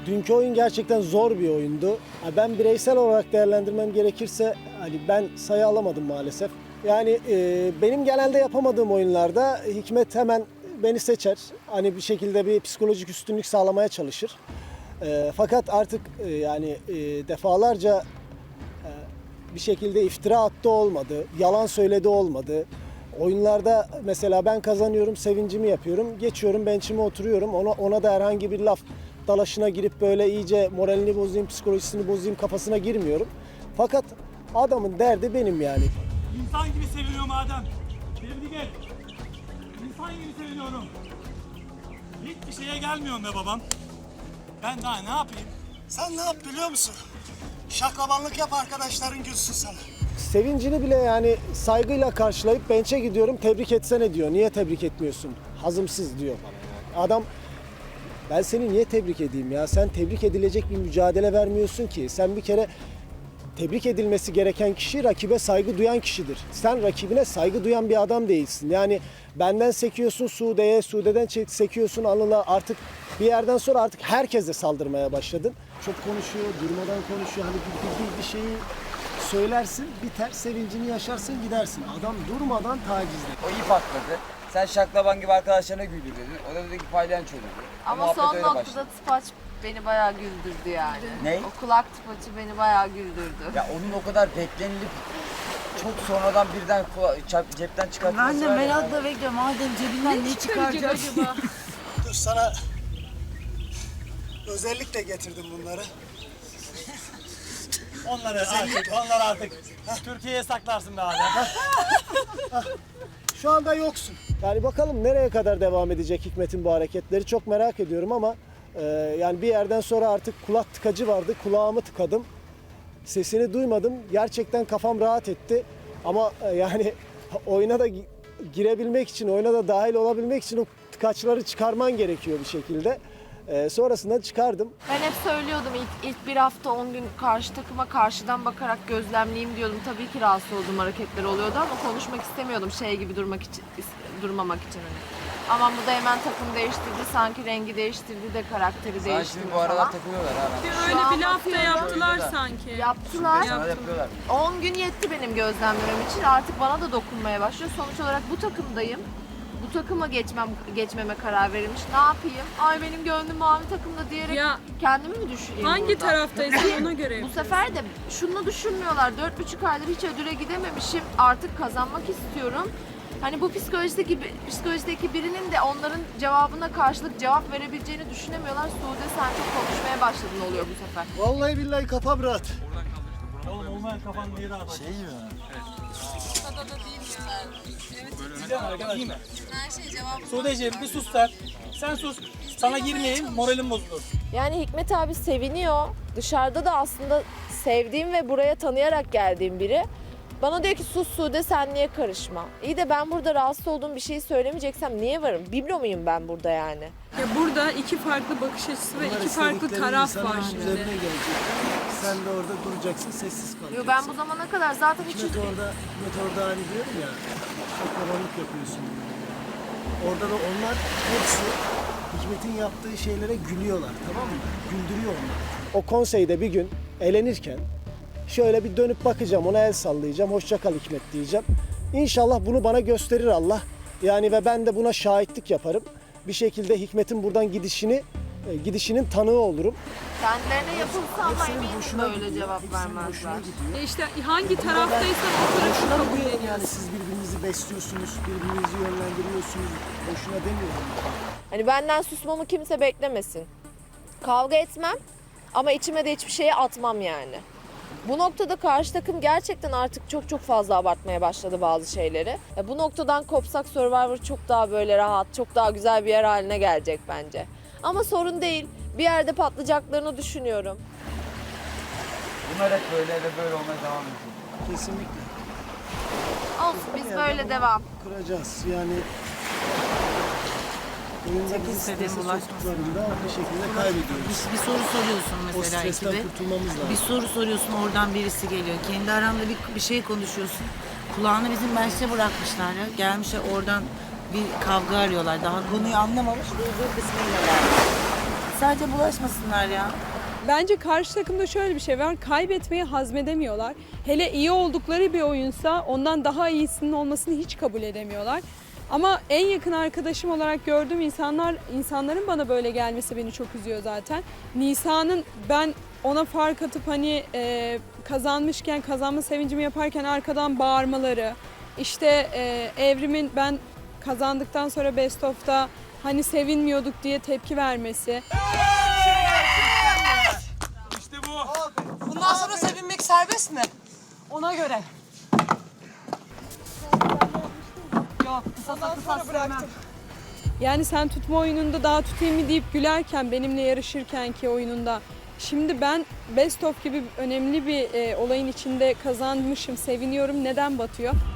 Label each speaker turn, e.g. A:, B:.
A: Dünkü oyun gerçekten zor bir oyundu. Ben bireysel olarak değerlendirmem gerekirse hani ben sayı alamadım maalesef. Yani benim genelde yapamadığım oyunlarda Hikmet hemen beni seçer. Hani bir şekilde bir psikolojik üstünlük sağlamaya çalışır. Fakat artık defalarca bir şekilde iftira attı olmadı, yalan söyledi olmadı. Oyunlarda mesela ben kazanıyorum, sevincimi yapıyorum, geçiyorum, benchime oturuyorum. Ona da herhangi bir laf dalaşına girip böyle iyice moralini bozayım, psikolojisini bozayım kafasına girmiyorum. Fakat adamın derdi benim yani.
B: İnsan gibi seviniyorum Adem. Sevdi gel. İnsan gibi seviniyorum. Hiçbir şeye gelmiyorum be babam. Ben daha ne yapayım?
C: Sen ne yap biliyor musun? Şaklabanlık yap, arkadaşların gülsün sana.
A: Sevincini bile yani saygıyla karşılayıp bench'e gidiyorum, tebrik etsene diyor. Niye tebrik etmiyorsun? Hazımsız diyor bana. Adam, ben seni niye tebrik edeyim ya? Sen tebrik edilecek bir mücadele vermiyorsun ki. Sen bir kere tebrik edilmesi gereken kişi rakibe saygı duyan kişidir. Sen rakibine saygı duyan bir adam değilsin. Yani benden sekiyorsun Sude'ye, Sude'den sekiyorsun Anıl'a. Artık bir yerden sonra artık herkese saldırmaya başladın. Çok konuşuyor, durmadan konuşuyor. Hani bir şeyi söylersin, biter, sevincini yaşarsın, gidersin. Adam durmadan tacizde.
D: O iyi patladı. Sen şaklaban gibi arkadaşlarına güldür dedin. O da dedi ki palyanço dedi.
E: Ama
D: Muhabbet
E: son
D: öyle
E: noktada
D: başladı.
E: tıpaç beni bayağı güldürdü yani.
D: Ne?
E: O kulak tıpaçı beni bayağı güldürdü.
D: Ya onun o kadar beklenilip çok sonradan birden cepten çıkartması
F: Ben de
D: var ya.
F: merakla bekliyorum. Adem cebinden ne çıkaracak acaba?
C: Dur sana özellikle getirdim bunları.
B: Onları artık Türkiye'ye saklarsın be Adem.
A: Şu anda yoksun. Yani bakalım nereye kadar devam edecek Hikmet'in bu hareketleri çok merak ediyorum ama yani bir yerden sonra artık kulak tıkacı vardı. Kulağımı tıkadım. Sesini duymadım. Gerçekten kafam rahat etti. Ama yani oyuna da girebilmek için, oyuna da dahil olabilmek için o tıkaçları çıkarman gerekiyor bir şekilde. Sonrasında çıkardım.
E: Ben hep söylüyordum ilk bir hafta 10 gün karşı takıma karşıdan bakarak gözlemleyeyim diyordum. Tabii ki rahatsız olduğum hareketler oluyordu ama konuşmak istemiyordum şey gibi durmamak için. Ama bu da hemen takım değiştirdi, sanki rengi değiştirdi de karakteri
D: Sana
E: değiştirdi
D: şimdi bu aralar
E: falan.
D: takılıyorlar ha.
G: Öyle
E: Şu an
G: bir laf da
E: bakıyorum.
G: yaptılar sanki.
E: Yaptılar.
D: Sana yapıyorlar.
E: 10 gün yetti benim gözlemlemem için. Artık bana da dokunmaya başlıyor. Sonuç olarak bu takımdayım. Bu takıma geçmeme karar verilmiş. Ne yapayım? Ay benim gönlüm mavi takımda diyerek
G: Ya,
E: kendimi mi düşüreyim
G: hangi
E: burada?
G: taraftaysan ona göre
E: Bu
G: yap.
E: sefer de şunu düşünmüyorlar. 4,5 aydır hiç ödüle gidememişim. Artık kazanmak istiyorum. Hani bu psikolojideki birinin de onların cevabına karşılık cevap verebileceğini düşünemiyorlar. Sude sen çok konuşmaya başladın oluyor bu sefer.
C: Vallahi billahi kafam rahat.
B: Oğlum olmayan kafanın yeri atar.
C: Şey mi?
B: Diyeceğim arkadaş. Değil mi? Sudeciğim bir sus sen. Sen sus. Sana girmeyeyim, moralim bozulur.
E: Yani Hikmet abi seviniyor. Dışarıda da aslında sevdiğim ve buraya tanıyarak geldiğim biri. Bana diyor ki sus Sude sen niye karışma? İyi de ben burada rahatsız olduğum bir şeyi söylemeyeceksem niye varım? Biblo muyum ben burada yani?
G: Ya burada iki farklı bakış açısı ve
A: Bunlar
G: iki farklı
A: istedikleri
G: taraf
A: insanın
G: var şimdi.
A: üzerine gelecek. Sen de orada duracaksın, sessiz kalacaksın.
E: Yo, ben bu zamana kadar zaten hiç...
A: Hikmet orada hani diyorum ya, şaklabanlık yapıyorsun. Orada da onlar hepsi Hikmet'in yaptığı şeylere gülüyorlar, tamam mı? Güldürüyor onlar. O konseyde bir gün elenirken şöyle bir dönüp bakacağım, ona el sallayacağım, hoşça kal Hikmet diyeceğim. İnşallah bunu bana gösterir Allah. Yani ve ben de buna şahitlik yaparım. Bir şekilde Hikmet'in buradan gidişinin tanığı olurum.
E: Kendilerine yapılsa ama
A: Hepsinin
E: eminim
A: hoşuna
E: böyle
A: gidiyor,
E: cevap
A: hepsinin hoşuna
E: vermezler.
A: gidiyor.
G: Ya işte hangi taraftaysan o tarafı
A: Boşuna
G: kabul
A: diyorum
G: ediyorsun.
A: yani siz birbirinizi besliyorsunuz, birbirinizi yönlendiriyorsunuz. Boşuna demiyorum.
E: Hani benden susmamı kimse beklemesin. Kavga etmem ama içime de hiçbir şeye atmam yani. Bu noktada karşı takım gerçekten artık çok fazla abartmaya başladı bazı şeyleri. Bu noktadan kopsak Survivor çok daha böyle rahat, çok daha güzel bir yer haline gelecek bence. Ama sorun değil. Bir yerde patlayacaklarını düşünüyorum.
D: Bunlar hep böyle ve böyle olmaya devam edecek.
A: Kesinlikle.
E: Olsun biz böyle devam.
A: Kuracağız yani. Oyunları strese soktuklarında bir şekilde kaybediyoruz.
F: Bir soru soruyorsun
A: O
F: mesela
A: stresten
F: ekibe.
A: kurtulmamız lazım.
F: Bir soru soruyorsun oradan birisi geliyor. Kendi aranda bir şey konuşuyorsun. Kulağını bizim bench'e bırakmışlar ya. Gelmişler oradan bir kavga arıyorlar. Daha konuyu anlamamış. Duyduğu kısmıyla gelmiş. sadece bulaşmasınlar ya.
G: Bence karşı takımda şöyle bir şey var. Kaybetmeyi hazmedemiyorlar. Hele iyi oldukları bir oyunsa ondan daha iyisinin olmasını hiç kabul edemiyorlar. Ama en yakın arkadaşım olarak gördüğüm insanların bana böyle gelmesi beni çok üzüyor zaten. Nisa'nın ben ona fark atıp hani kazanmışken kazanma sevincimi yaparken arkadan bağırmaları, işte Evrim'in ben kazandıktan sonra Best of'ta hani sevinmiyorduk diye tepki vermesi.
B: İşte bu.
H: Bundan sonra sevinmek serbest mi? Ona göre. Yok, kısasa bıraktım.
G: Yani sen tutma oyununda daha tutayım mı deyip gülerken benimle yarışırken ki oyununda. Şimdi ben Best of gibi önemli bir olayın içinde kazanmışım, seviniyorum. Neden batıyor?